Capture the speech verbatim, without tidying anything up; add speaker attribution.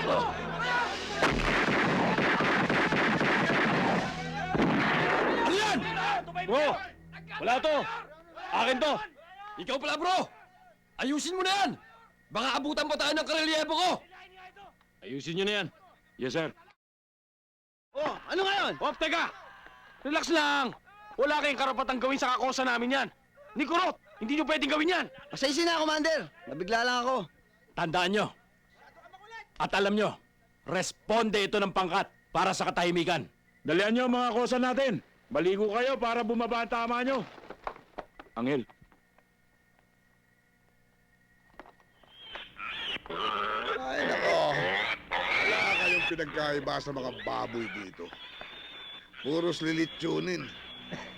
Speaker 1: Ano yan? Bro, wala to. Akin to. Ikaw pala, bro. Ayusin mo na yan. Baka abutan pa tayo ng karelyebo ko. Ayusin nyo na yan. Yes, sir.
Speaker 2: Oh, ano ngayon?
Speaker 1: Hop, teka! Relax lang! Wala kayong karapatang gawin sa kakosa namin yan! Ni Kurot, hindi nyo pwedeng gawin yan!
Speaker 2: Pasensya na, Commander. Nabigla lang ako.
Speaker 1: Tandaan nyo. At alam nyo, responde ito ng pangkat para sa katahimikan.
Speaker 3: Dalian nyo mga kosa natin. Baligo kayo para bumaba ang tama nyo. Angel.
Speaker 4: Ay, nako. Wala kayong pinagkaiba sa mga baboy dito. Puros lilitsunin.